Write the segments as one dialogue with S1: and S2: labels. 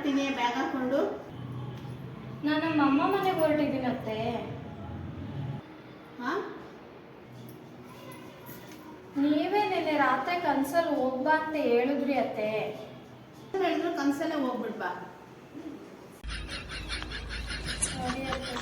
S1: ಬರ್ತೀನಿ ಬ್ಯಾಗ್ ಹಾಕೊಂಡು.
S2: ನಾನು ನಮ್ಮ ಅಮ್ಮ ಮನೆಗೆ ಹೊರಟಿದ್ದೀನತ್ತೆ.
S1: ಹಾ,
S2: ನೀವೇ ನೆನ್ನೆ ರಾತ್ರಿ ಕನ್ಸಲ್ಲಿ ಹೋಗ್ಬಾ ಅಂತ ಹೇಳಿದ್ರಿ ಅತ್ತೆ.
S1: ಹೇಳಿದ್ರು ಕನ್ಸಲ್ಲೇ ಹೋಗ್ಬಿಡ್ಬಾ.
S2: ಸರಿ ಅತ್ತೆ.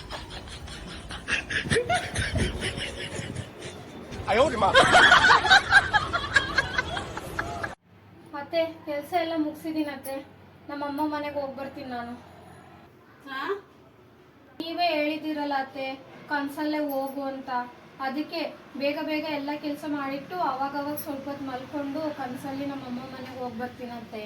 S2: ಮತ್ತೆ ಕೆಲಸ ಎಲ್ಲ ಮುಗಿಸಿದೀನತ್ತೆ. ನಮ್ಮಮ್ಮ ಮನೆಗೆ ಹೋಗಿ ಬರ್ತೀನಿ ನಾನು.
S1: ಹಾ,
S2: ನೀವೇ ಹೇಳಿದಿರಲ್ಲ ಅತ್ತೆ ಕನ್ಸಲ್ಲೇ ಹೋಗು ಅಂತ. ಅದಕ್ಕೆ ಬೇಗ ಬೇಗ ಎಲ್ಲ ಕೆಲಸ ಮಾಡಿಟ್ಟು ಅವಾಗವಾಗ ಸ್ವಲ್ಪ ಹೊತ್ತು ಮಲ್ಕೊಂಡು ಕನ್ಸಲ್ಲಿ ನಮ್ಮಮ್ಮ ಮನೆಗೆ ಹೋಗಿ ಬರ್ತೀನಂತೆ.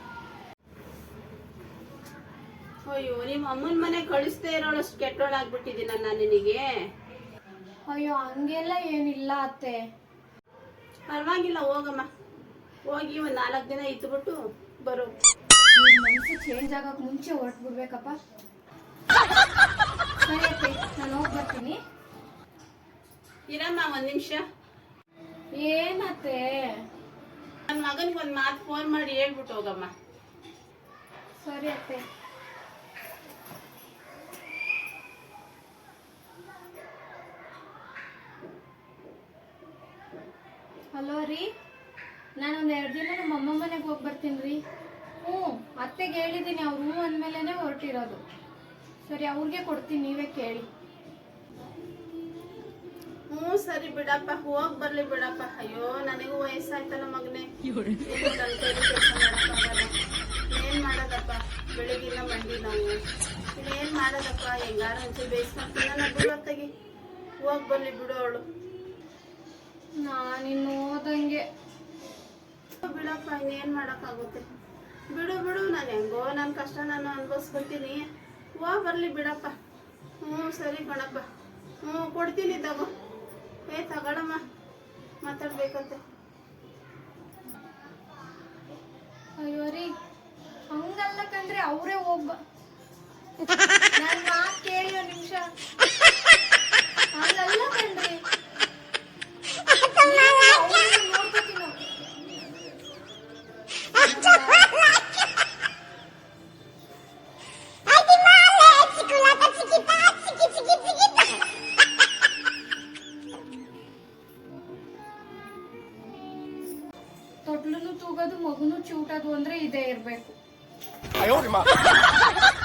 S1: ಅಯ್ಯೋ ನಿಮ್ಮ ಅಮ್ಮನ ಮನೆ ಕಳಿಸ್ದೇ ಇರೋಳಷ್ಟು ಕೆಟ್ಟೋಳಾಗ್ಬಿಟ್ಟಿದ್ದೀನ ನಾನು ನಿನಗೆ.
S2: ಅಯ್ಯೋ ಹಂಗೆಲ್ಲ ಏನಿಲ್ಲ ಅತ್ತೆ.
S1: ಪರವಾಗಿಲ್ಲ, ಹೋಗಮ್ಮ. ಹೋಗಿ ಒಂದು 4 ದಿನ ಇದ್ಬಿಟ್ಟು ಬರು.
S2: ಮನಸ್ಸು ಚೇಂಜ್ ಆಗಕ್ಕೆ ಮುಂಚೆ ಹೊರಟ್ಬಿಡ್ಬೇಕಪ್ಪ. ಸರಿ ಅತ್ತೆ, ನಾನು ಹೋಗಿ ಬರ್ತೀನಿ.
S1: ಇರಮ್ಮ 1 ನಿಮಿಷ.
S2: ಏನತ್ತೆ?
S1: ನನ್ನ ಮಗನಿಗೆ ಒಂದು ಮಾತು ಫೋನ್ ಮಾಡಿ ಹೇಳ್ಬಿಟ್ಟು ಹೋಗಮ್ಮ.
S2: ಸರಿ ಅತ್ತೆ. ಹಲೋ ರೀ, ನಾನೊಂದು 2 ದಿನ ನಮ್ಮ ಅಮ್ಮ ಮನೆಗೆ ಹೋಗಿ ಬರ್ತೀನಿ ರೀ. ಅತ್ತೆಗೆ ಹೇಳಿದ್ದೀನಿ, ಅವ್ರು ಹ್ಞೂ ಅಂದಮೇಲೆ ಹೊರಟಿರೋದು. ಸರಿ, ಅವ್ರಿಗೆ ಕೊಡ್ತೀನಿ, ನೀವೇ ಕೇಳಿ.
S1: ಹ್ಞೂ ಸರಿ ಬಿಡಪ್ಪ, ಹೋಗಿ ಬರ್ಲಿ ಬಿಡಪ್ಪ. ಅಯ್ಯೋ ನನಗೂ ವಯಸ್ಸಾಯ್ತಲ್ಲ ಮಗನೇ, ಏನ್ ಮಾಡೋದಪ್ಪ, ಬೆಳಿಗ್ಗಿನ ಮಂಡಿ ನಾವು ಇನ್ನೇನ್ ಮಾಡೋದಪ್ಪ. ಹೆಂಗಾರ ಒಂಚೂರು ಬೇಯಿಸ್ಕೊಂತೀನಿ ಬಿಡೋತ್ತಾಗಿ. ಹೋಗಿ ಬರ್ಲಿ ಬಿಡು ಅವಳು.
S2: ನಾನಿನ್ನು ಓದಂಗೆ
S1: ಬಿಡಪ್ಪ, ಇನ್ನೇನ್ ಮಾಡಕ್ಕಾಗುತ್ತೆ. ಬಿಡು ಬಿಡು, ನಾನು ಹೆಂಗೋ ನನ್ನ ಕಷ್ಟ ನಾನು ಅನ್ಭವಿಸ್ಕೊತೀನಿ. ಹೋಗಿ ಬರ್ಲಿ ಬಿಡಪ್ಪ. ಹ್ಞೂ ಸರಿ ಕಣಪ್ಪ. ಹ್ಞೂ ಕೊಡ್ತೀನಿ, ತಗೋ. ತಗೊಳಮ್ಮ, ಮಾತಾಡ್ಬೇಕಂತೆ.
S2: ಅಯ್ಯೋ ರೀ, ಹಂಗಲ್ಲ ಕಂಡ್ರೆ ಅವರೇ ನನ್ನ ಮಾತು ಕೇಳಿ 1 ನಿಮಿಷ. ಹಂಗಲ್ಲ ಕಣ್ರಿ, ನೋಡ್ಕೋತೀನಿ. ತೊಟ್ಲುನು ತೂಗೋದು, ಮಗುನು ಚೂಟೋದು ಅಂದ್ರೆ ಇದೇ ಇರ್ಬೇಕು.